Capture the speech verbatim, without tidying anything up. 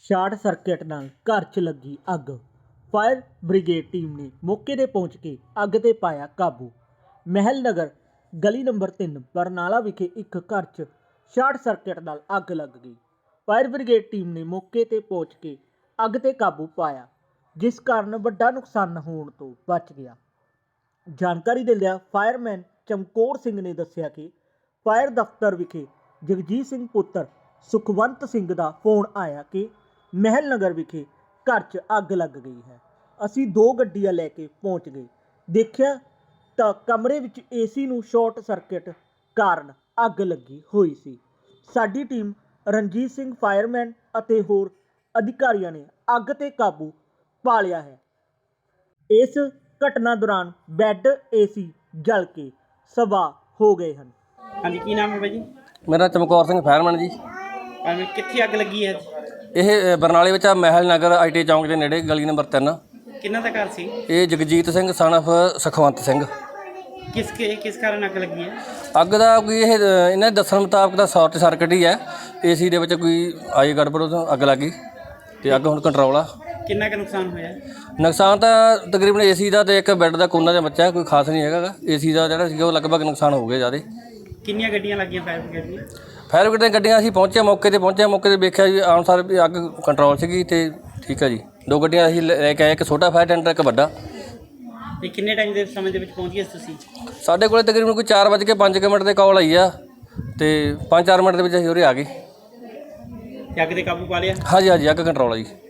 Short circuit ਨਾਲ ਘਰ 'ਚ ਲੱਗੀ ਅੱਗ। ਫਾਇਰ ਬ੍ਰਿਗੇਡ ਟੀਮ ਨੇ ਮੌਕੇ 'ਤੇ ਪਹੁੰਚ ਕੇ ਅੱਗ 'ਤੇ ਪਾਇਆ ਕਾਬੂ। ਮਹਿਲ ਨਗਰ ਗਲੀ ਨੰਬਰ ਤਿੰਨ ਬਰਨਾਲਾ ਵਿਖੇ ਇੱਕ ਘਰ 'ਚ ਸ਼ਾਰਟ ਸਰਕਟ ਨਾਲ ਅੱਗ ਲੱਗ ਗਈ। ਫਾਇਰ ਬ੍ਰਿਗੇਡ ਟੀਮ ਨੇ ਮੌਕੇ 'ਤੇ ਪਹੁੰਚ ਕੇ ਅੱਗ 'ਤੇ ਕਾਬੂ ਪਾਇਆ, ਜਿਸ ਕਾਰਨ ਵੱਡਾ ਨੁਕਸਾਨ ਹੋਣ ਤੋਂ ਬਚ ਗਿਆ। ਜਾਣਕਾਰੀ ਦਿੰਦਿਆਂ ਫਾਇਰਮੈਨ ਚਮਕੌਰ ਸਿੰਘ ਨੇ ਦੱਸਿਆ ਕਿ ਫਾਇਰ ਦਫ਼ਤਰ ਵਿਖੇ ਜਗਜੀਤ ਸਿੰਘ ਪੁੱਤਰ ਸੁਖਵੰਤ ਸਿੰਘ ਦਾ ਫੋਨ ਆਇਆ ਕਿ ਮਹਿਲ ਨਗਰ ਵਿਖੇ ਘਰ 'ਚ ਅੱਗ ਲੱਗ ਗਈ ਹੈ। ਅਸੀਂ ਦੋ ਗੱਡੀਆਂ ਲੈ ਕੇ ਪਹੁੰਚ ਗਏ, ਦੇਖਿਆ ਤਾਂ ਕਮਰੇ ਵਿੱਚ ਏਸੀ ਨੂੰ ਸ਼ਾਰਟ ਸਰਕਟ ਕਾਰਨ ਅੱਗ ਲੱਗੀ ਹੋਈ ਸੀ। ਸਾਡੀ ਟੀਮ ਰਣਜੀਤ ਸਿੰਘ ਫਾਇਰਮੈਨ ਅਤੇ ਹੋਰ ਅਧਿਕਾਰੀਆਂ ਨੇ ਅੱਗ 'ਤੇ ਕਾਬੂ ਪਾ ਲਿਆ ਹੈ। ਇਸ ਘਟਨਾ ਦੌਰਾਨ ਬੈੱਡ ਏਸੀ ਜਲ ਕੇ ਸਵਾਹ ਹੋ ਗਏ ਹਨ। ਹਾਂਜੀ, ਕੀ ਨਾਮ ਹੈ ਬਾਈ ਜੀ? ਮੇਰਾ ਚਮਕੌਰ ਸਿੰਘ ਫਾਇਰਮੈਨ ਜੀ। ਭਾਵੇਂ ਕਿੱਥੇ ਅੱਗ ਲੱਗੀ ਹੈ? ਇਹ ਬਰਨਾਲੇ ਵਿੱਚ ਆ ਮਹਿਲ ਨਗਰ ਆਈ ਟੀ ਚੌਂਕ ਦੇ ਨੇੜੇ ਗਲੀ ਨੰਬਰ ਤਿੰਨ। ਕਿੰਨਾ ਦਾ ਘਰ ਸੀ? ਇਹ ਜਗਜੀਤ ਸਿੰਘ ਸਨ ਆਫ ਸੁਖਵੰਤ ਸਿੰਘ। ਕਿਸ ਕੇ ਕਿਸ ਕਾਰਨ ਅੱਗ ਲੱਗੀ ਹੈ? ਅੱਗ ਦਾ ਕੋਈ ਇਹ ਇਹਨਾਂ ਦੇ ਦੱਸਣ ਮੁਤਾਬਕ ਤਾਂ ਸ਼ਾਰਟ ਸਰਕਟ ਹੀ ਹੈ। ਏਸੀ ਦੇ ਵਿੱਚ ਕੋਈ ਆਈ ਗੜਬੜ ਤੋਂ ਅੱਗ ਲੱਗ ਗਈ ਅਤੇ ਅੱਗ ਹੁਣ ਕੰਟਰੋਲ ਆ। ਕਿੰਨਾ ਕੁ ਨੁਕਸਾਨ ਹੋਇਆ? ਨੁਕਸਾਨ ਤਾਂ ਤਕਰੀਬਨ ਏਸੀ ਦਾ ਅਤੇ ਇੱਕ ਬੈੱਡ ਦਾ ਕੋਨਾ ਜਿਹਾ ਬੱਚਾ, ਕੋਈ ਖਾਸ ਨਹੀਂ ਹੈਗਾ ਗਾ। ਏਸੀ ਦਾ ਜਿਹੜਾ ਸੀਗਾ ਉਹ ਲਗਭਗ ਨੁਕਸਾਨ ਹੋ ਗਿਆ ਜ਼ਿਆਦਾ। ਕਿੰਨੀਆਂ ਗੱਡੀਆਂ ਲੱਗੀਆਂ ਫਾਇਰ ਬ੍ਰਿਗੇਡ ਦੀਆਂ? ਫਾਇਰ ਬ੍ਰਿਗੇਡ ਦੀਆਂ ਗੱਡੀਆਂ ਅਸੀਂ ਪਹੁੰਚੇ, ਮੌਕੇ 'ਤੇ ਪਹੁੰਚੇ, ਮੌਕੇ 'ਤੇ ਵੇਖਿਆ ਜੀ ਆਉਣ ਸਾਰ ਵੀ ਅੱਗ ਕੰਟਰੋਲ ਸੀਗੀ ਅਤੇ ਠੀਕ ਹੈ ਜੀ। ਦੋ ਗੱਡੀਆਂ ਅਸੀਂ ਲੈ ਕੇ ਆਏ, ਇੱਕ ਛੋਟਾ ਫਾਇਰ ਟੈਂਡਰ, ਇੱਕ ਵੱਡਾ। ਤੇ ਕਿੰਨੇ ਟਾਈਮ ਦੇ ਸਮੇਂ ਦੇ ਵਿੱਚ ਪਹੁੰਚ ਗਏ ਤੁਸੀਂ? ਸਾਡੇ ਕੋਲ ਤਕਰੀਬਨ ਕੋਈ ਚਾਰ ਵੱਜ ਕੇ ਪੰਜ ਕੁ ਮਿੰਟ 'ਤੇ ਕਾਲ ਆਈ ਆ ਅਤੇ ਪੰਜ ਚਾਰ ਮਿੰਟ ਦੇ ਵਿੱਚ ਅਸੀਂ ਉਰੇ ਆ ਗਏ। ਤੇ ਅੱਗ 'ਤੇ ਕਾਬੂ ਪਾ ਲਿਆ? ਹਾਂਜੀ ਹਾਂਜੀ, ਅੱਗ ਕੰਟਰੋਲ ਆ ਜੀ।